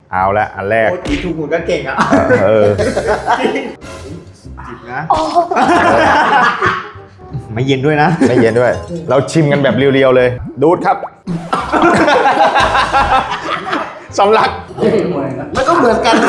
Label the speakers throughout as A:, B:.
A: เอาละอันแรก
B: จีถูกหมดก็เก่งอ่ะจิบนะไม่เย็นด้วยนะ
A: ไม่เย็นด้วยเราชิมกันแบบเรียวๆเลยดูดครับสำลัก
B: มันก็เหมือนกัน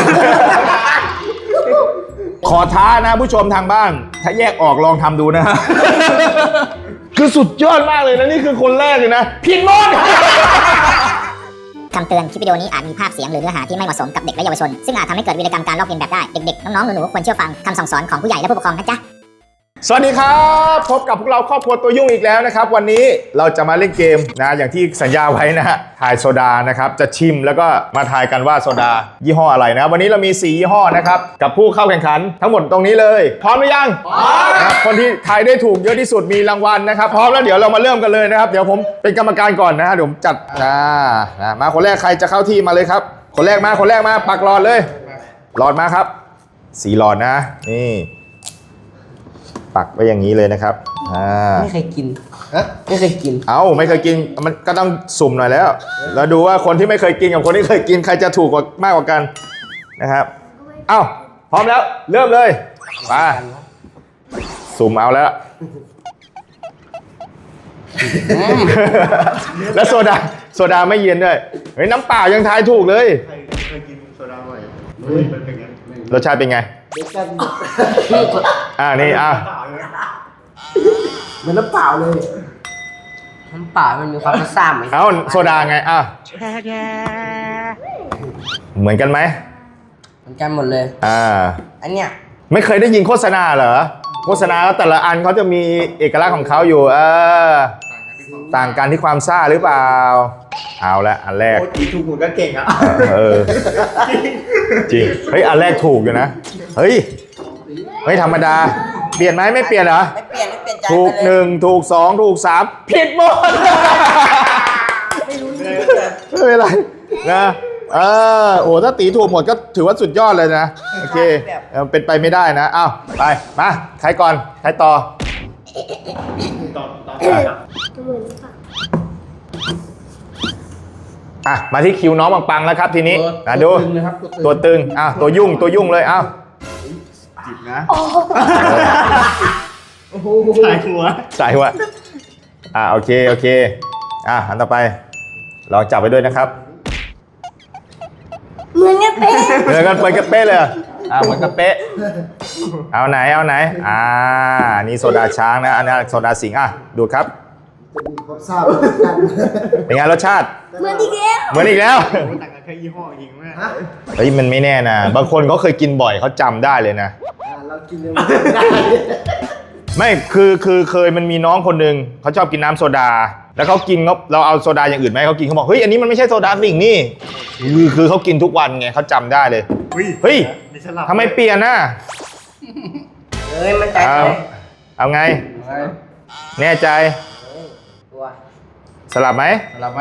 A: ขอท้านะผู้ชมทางบ้านถ้าแยกออกลองทำดูนะคือสุดยอดมากเลยนะนี่คือคนแรกเลยนะผิดหมด
C: คำเตือนคลิปวิดีโอนี้อาจมีภาพเสียงหรือเนื้อหาที่ไม่เหมาะสมกับเด็กและเยาวชนซึ่งอาจทำให้เกิดวีรกรรมการลอกเลียนแบบได้เด็กๆน้องๆหนูๆควรเชื่อฟังคำสั่งสอนของผู้ใหญ่และผู้ปกครองนะจ๊ะ
A: สวัสดีครับพบกับพวกเราครอบครัวตัวยุ่งอีกแล้วนะครับวันนี้เราจะมาเล่นเกมนะอย่างที่สัญญาไว้นะฮะทายโซดานะครับจะชิมแล้วก็มาทายกันว่าโซดายี่ห้ออะไรนะวันนี้เรามี4ยี่ห้อนะครับกับผู้เข้าแข่งขันทั้งหมดตรงนี้เลยพร้อมหรือยังพร้อมนะคนที่ทายได้ถูกเยอะที่สุดมีรางวัลนะครับพร้อมแล้วเดี๋ยวเรามาเริ่มกันเลยนะครับเดี๋ยวผมเป็นกรรมการก่อนนะฮะเดี๋ยวผมจัดมาคนแรกใครจะเข้าที่มาเลยครับคนแรกมาปักหลอดเลยหลอดมาครับ4หลอดนะนี่ปักไว้อย่างนี้เลยนะครับ
D: ไม่เคยกินไม่เคยกิน
A: ไม่เคยกินมันก็ต้องสุ่มหน่อยแล้วแล้วดูว่าคนที่ไม่เคยกินกับคนที่เคยกินใครจะถูกกว่ามากกว่ากันนะครับพร้อมแล้วเริ่มเลยมาสุ่มเอาแล้วแล้วโซดาไม่เย็นด้วยเฮ้ยน้ำเปล่ายังทายถูกเลย
B: เคยกินโซดาบ่อยเป็นไง
A: รสชาติเป็นไงนี่
D: เหมือนน้ำเปล่าเลยน้ำเปล่ามันมีความรสชาติไหม
A: โซดาไงเหมือนกันไหม
D: เหมือนกันหมดเลยอันเนี้ย
A: ไม่เคยได้ยินโฆษณาเหรอโฆษณาแต่ละอันเขาจะมีเอกลักษณ์ของเขาอยู่ต่างกันที่ความซ่าหรือเปล่าเอาละอันแรก
B: จีถูกหมดก็เก่งอ่ะ
A: จริงเฮ้ยอันแรกถูกอยู่นะเฮ้ยธรรมดาเปลี่ยนไหมไม่เปลี่ยนเหรอ
D: ไม่เปลี่ยนใจ
A: ถูก1ถูก2ถูก3ผิดหมดไม่เป็นไรนะถ้าตีถูกหมดก็ถือว่าสุดยอดเลยนะโอเคเป็นไปไม่ได้นะไปมาใครก่อนใครต่อมาที่คิวน้องปังๆแล้วครับทีนี้ดูตัวตึงตัวยุ่งเลย
B: จิบนะสายหัว
A: โอเคอันต่อไปลองจับไปด้วยนะครับ
C: เหมือนกันเป๊ะ
A: เลยเหมือนกันเป๊ะเอาไหนนี่โซดาช้างนะอันนี้โซดาสิงห์ดูครับเป็นไงรสชาติ
C: เหมือนอีกแล้ว
B: ต่างกันแค่ยี่ห้อจริงไหม
A: เฮ้ยมันไม่แน่นะบางคนเขาเคยกินบ่อยเขาจำได้เลยนะ
D: เรากินเลย
A: ไม่คือเคยมันมีน้องคนหนึ่งเขาชอบกินน้ำโซดาแล้วเขากินเราเอาโซดาอย่างอื่นไหมเขากินเขาบอกเฮ้ยอันนี้มันไม่ใช่โซดาสิงห์นี่คือเขากินทุกวันไงเขาจำได้เลยเฮ้ยทำไมเปลี่ยนน่ะ
D: มันใจ
A: เอาไงแน่ใจสลับไหม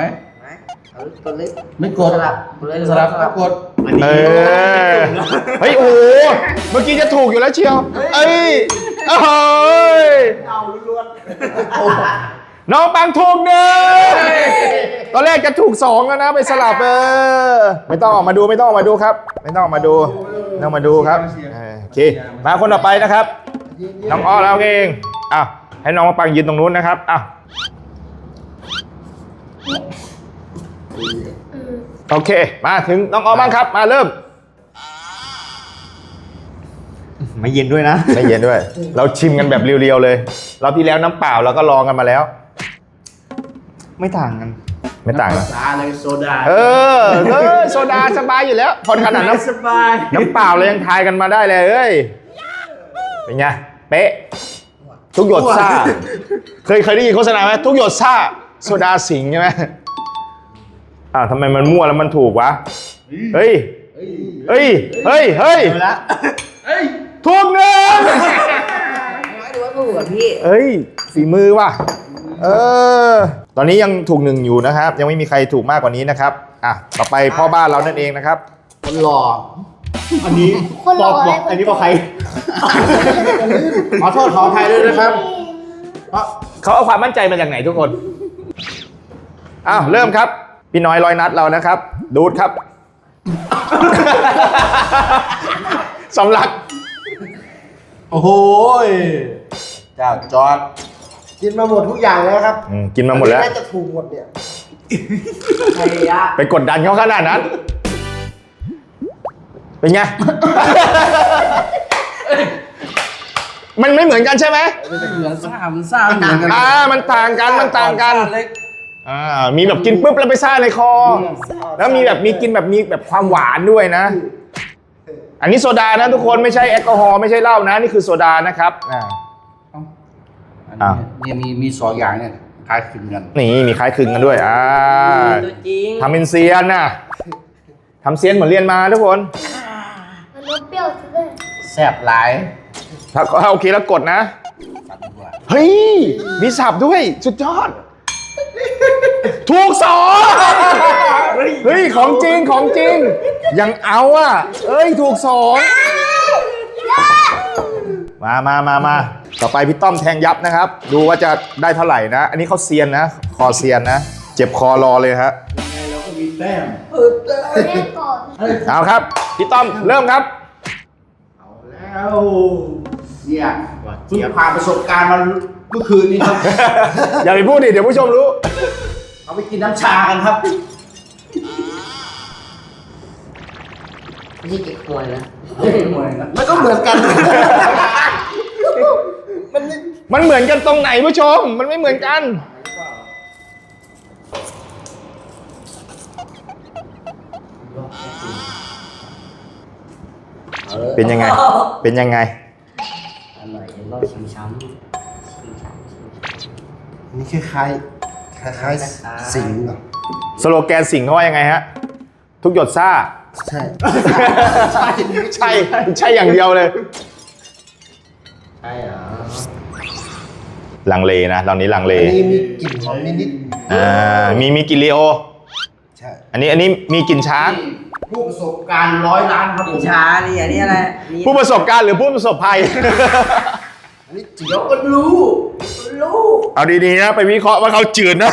D: ไม่กดสลับกด
A: เฮ้ยโอ้เมื่อกี้จะถูกอยู่แล้วเชียวน้องปังถูก1ตอนแรกจะถูก2แล้วนะไปสลับไม่ต้องออกมาดูครับไม่ต้องมาดูครับโอเคมาคนต่อไปนะครับน้องอ้อแล้วเองให้น้องปังยืนตรงนู้นนะครับโอเคมาถึงน้องอ้อบ้างครับมาเริ่ม
B: ไม่เย็นด้วยนะ
A: ไม่เย็นด้วยเราชิมกันแบบเรียวๆเลยเราที่แล้วน้ำเปล่าเราก็ลองกันมาแล้ว
B: ไม่ต่างกัน
D: เลยโซดา
A: โซดาสบายอยู่แล้วคนขนาดน้ำเปล่าเลยยังทายกันมาได้เลยเป็นไงเป๊ะทุกหยดซ่าเคยได้ยินโฆษณาไหมทุกหยดซ่าโซดาสิงห์ใช่ไหมทำไมมันมั่วแล้วมันถูกวะเฮ้ยถูก1
D: ดูว่าถูกกับพี่
A: ฝีมือว่ะตอนนี้ยังถูก1อยู่นะครับยังไม่มีใครถูกมากกว่านี้นะครับต่อไปพ่อบ้านเรานั่นเองนะครับ
D: คนหล่อ
B: อันนี้บอกอันนี้บอกใคร
D: ขอโทษขออภัยด้วยนะครับ
A: เขาเอาความมั่นใจมาจากไหนทุกคนเริ่มครับพี่น้อย100 นัดเรานะครับดูดครับสำลัก
E: โอ้โหเจ้าจอด
F: กินมาหมดทุกอย่างแล้วครับ
A: กินมาหมดแล้ว
F: น่าจะถูกหมดเนี่ย
D: ใครอะ
A: ไปกดดันเขาขนาดนั้น เป็นไง มันไม่เหมือนกันใช่ไหม
E: เหมือนซ่ามันซ่าเหมือนกัน
A: มันต่างกัน มันต่างกัน
E: เล็ก
A: มีแบบกินปุ๊บแล้วไปซ่าในคอ แล้วมีแบบมีกินแบบมีแบบความหวานด้วยนะ อันนี้โซดานะทุกคนไม่ใช่แอลกอฮอล์ไม่ใช่เหล้านะนี่คือโซดานะครับ
E: อันนี้เนี่ยมีสองอย่างเนี่ยคล้ายคลึงกัน
A: นี่มีคล้ายคลึงกันด้วย
D: ตัวจริง
A: ทำเป็นเซียนนะทำเซียนเหมือนเรียนมาทุกคน
G: มันรสเปรี้ยวซะด้วย
E: แซ่บหลาย
A: ถ้าโอเคแล้วกดนะ
E: สัตว์ดีกว่า
A: เฮ้ย มีสับด้วย สุดยอด ถูกสองเฮ้ย ของจริง ของจริง ยังเอาอ่ะ เอ้ย ถูกสองมา ต่อไปพี่ต้อมแทงยับนะครับ ดูว่าจะได้เท่าไหร่นะ อันนี้เขาเซียนนะ คอเซียนนะ เจ็บคอรอเลยฮะ
E: เราก็มีแต้ม
G: เอาแรกก่อน
A: เอาครับ พี่ต้อมเริ่มครับ
E: เอาแล้วเนี่ยเพิ่งผ่านประสบการณ์มาเมื่อคืนนี้ครับ
A: อย่าไปพูดดิ เดี๋ยวผู้ชมรู้
E: เอาไปกินน้ำชากันครับ
D: ไม่ใช่เก็บหวยนะ
F: มันก็เหมือนกัน
A: มันเหมือนกันตรงไหนผู้ชม มันไม่เหมือนกัน เป็นยังไง เป็นยังไง
D: อร่อยรอบชิมช้ำ
F: นี่คล้ายๆสิงห์เหรอ
A: สโลแกนสิ่งเขาว่ายังไงฮะ ทุกหยดซ่า
F: ใช่
A: ใช่อย่างเดียวเลย
D: ใช่เหรอ
A: ลังเลนะตอนนี้ลังเล
F: อันนี้มีกลิ่นหอมนิด
A: มีกลินลีโอ
F: ๆใช่
A: อันนี้มีกลินช้าง
E: ผู้ประสบการณ์100 ล้านครับผม
D: ช้านี่อันนี้อะไรนี่
A: ผู้ประสบการณ์หรือผู้ประสบภัย
F: อันนี้จิ๋ว
E: เดี๋ยวก็รู้
A: เอาดีๆนะไปวิเคราะห์ว่าเขาจืดนะ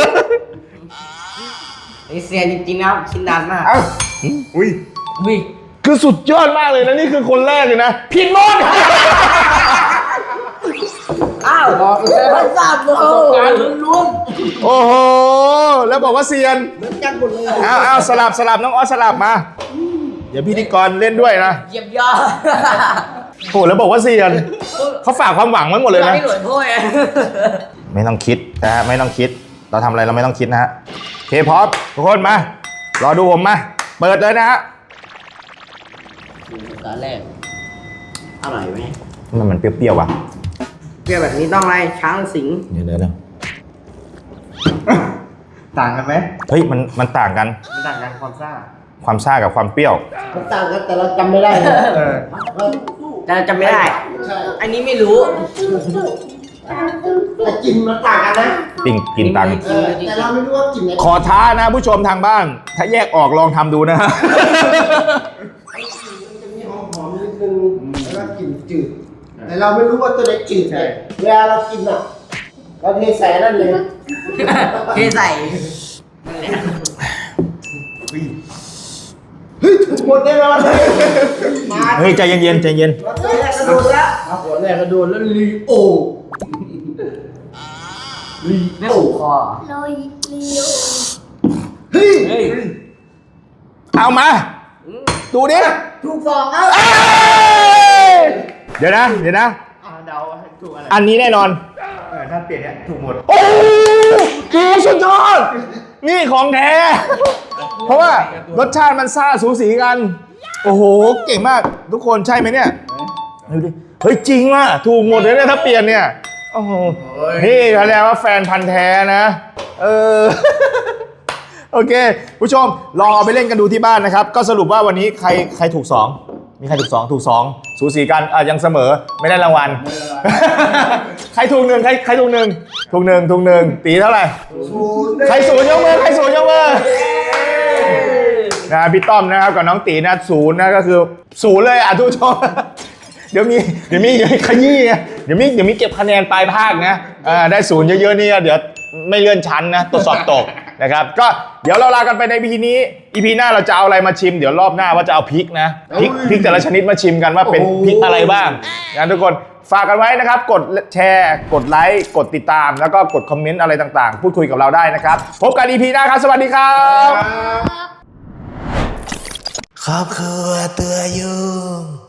D: ไอเซียนจริงๆนะครับชิ้นนานมาก
A: อุ้ย
D: วิ
A: คือสุดยอดมากเลยนะนี่คือคนแรกเลยนะผิดหมด
D: อ้าวบอกเลยว่าทราบเลย
E: ประสบการณ์ล้วน
A: โอ้โห แล้วบอกว่าเซียน
F: เหมือนกันหมดเลย
A: เอาสลับน้องออสสลับมา เดี๋ยวพิธีกรเล่นด้วยนะ
D: เยี่ยมยอด
A: โอ้แล้วบอกว่าเซียนเขาฝากความหวังไว้หมดเลยนะ
D: ไม่หลวยถ้วย
A: ไม่ต้องคิดนะฮะไม่ต้องคิด เราทำอะไรเราไม่ต้องคิดนะฮะโอเคพร้อมทุกคนมารอดูผมมาเปิดเลยนะฮะ
D: ตอนแรกอร่อยไหม
A: มันเปรี้ยวๆว่ะ
D: เปรี้ยวแบบนี้ต้องอะไรช้างสิง
A: เดี๋ยว
B: ต่างกันไหม
A: เฮ้ยมันต่างกัน
B: มันต่างกันความซ่า
A: ความซ่ากับความเปรี้ยว
F: มันต่างกันแต่เราจำไม่ได้นะ
D: แต่จำไม่ได้
F: ใช่
D: อันนี้ไม่รู้
F: แต่กลิ่นมันต่างกันนะ
A: กินตัง
F: แต่เราไม่รู้ว่ากลิ่นไหน
A: ขอท้านะผู้ชมทางบ้าน ถ้าแยกออกลองทำดูนะฮะ
F: มันจะมีหอมๆนิดนึงแล้วก็กลิ่นจืด แต่เราไม่รู้ว่าตัวไหนจืดไงเวลาเรากินอ่ะเราเทใส่นั่นเลย
D: เทใส่
F: เฮ้ยถูกหมดแน่นอนเลยมา
A: เฮ้ยใจเย็นๆใจเย็น
F: เราตัวแรกก็โดนแล้ว
E: ๆหัวแรกก็โดนแล้วลีโอ
D: ไม่ถูกคอ
G: โรยเลียว
F: เฮ้ย
D: เฮ้ย
A: เอามา ดูดิ
F: ถูกสองครับ
A: เอ้ยเดี๋ยวนะ
B: เดาให้ถูกอะไร
A: อันนี้แน่นอน
B: ถ้าเปลี่ยนเนี่ยถูกหมด
A: โอ้โหสุดยอด นี่ของแท้ เพราะว่ารสชาติมันซ่าสูสีกัน โอ้โห เก่งมาก ทุกคนใช่ไหมเนี่ยดูดิ เฮ้ยจริงว่ะ ถูกหมดเลยเนี่ยถ้าเปลี่ยนเนี่ย โอ้โห นี่แสดงว่าแฟนพันธ์แท้นะ โอเค ผู้ชมลองเอาไปเล่นกันดูที่บ้านนะครับ ก็สรุปว่าวันนี้ใครถูก 2 มีใครถูก 2 ถูก 2 สูสีกันยังเสมอไม่ได้รางวัล ใครถูก1ใครถูก1ถูก1ตีเท่าไหร่ ใครศูนย์ยกมือใครศูนย์ยกมือนะพี่ต้อมนะครับกับน้องตีนะ0นะก็คือ0เลยทุกผู้ชม เดี๋ยวมีขยี้นะเดี๋ยวมีเก็บคะแนนปลายภาคนะได้0เยอะๆนี่เดี๋ยวไม่เลื่อนชั้นนะตรวจสอบตกนะครับก็เดี๋ยวเราลากันไปใน EP นี้ EP หน้าเราจะเอาอะไรมาชิมเดี๋ยวรอบหน้าว่าจะเอาพริกนะพริกแต่ละชนิดมาชิมกันว่าเป็นพริกอะไรบ้างนะทุกคนฝากกันไว้นะครับกดแชร์กดไลค์กดติดตามแล้วก็กดคอมเมนต์อะไรต่างๆพูดคุยกับเราได้นะครับพบกัน EP หน้าครับสวัสดีครับ
G: ครับ
H: ครอบครัวตัวยุ่ง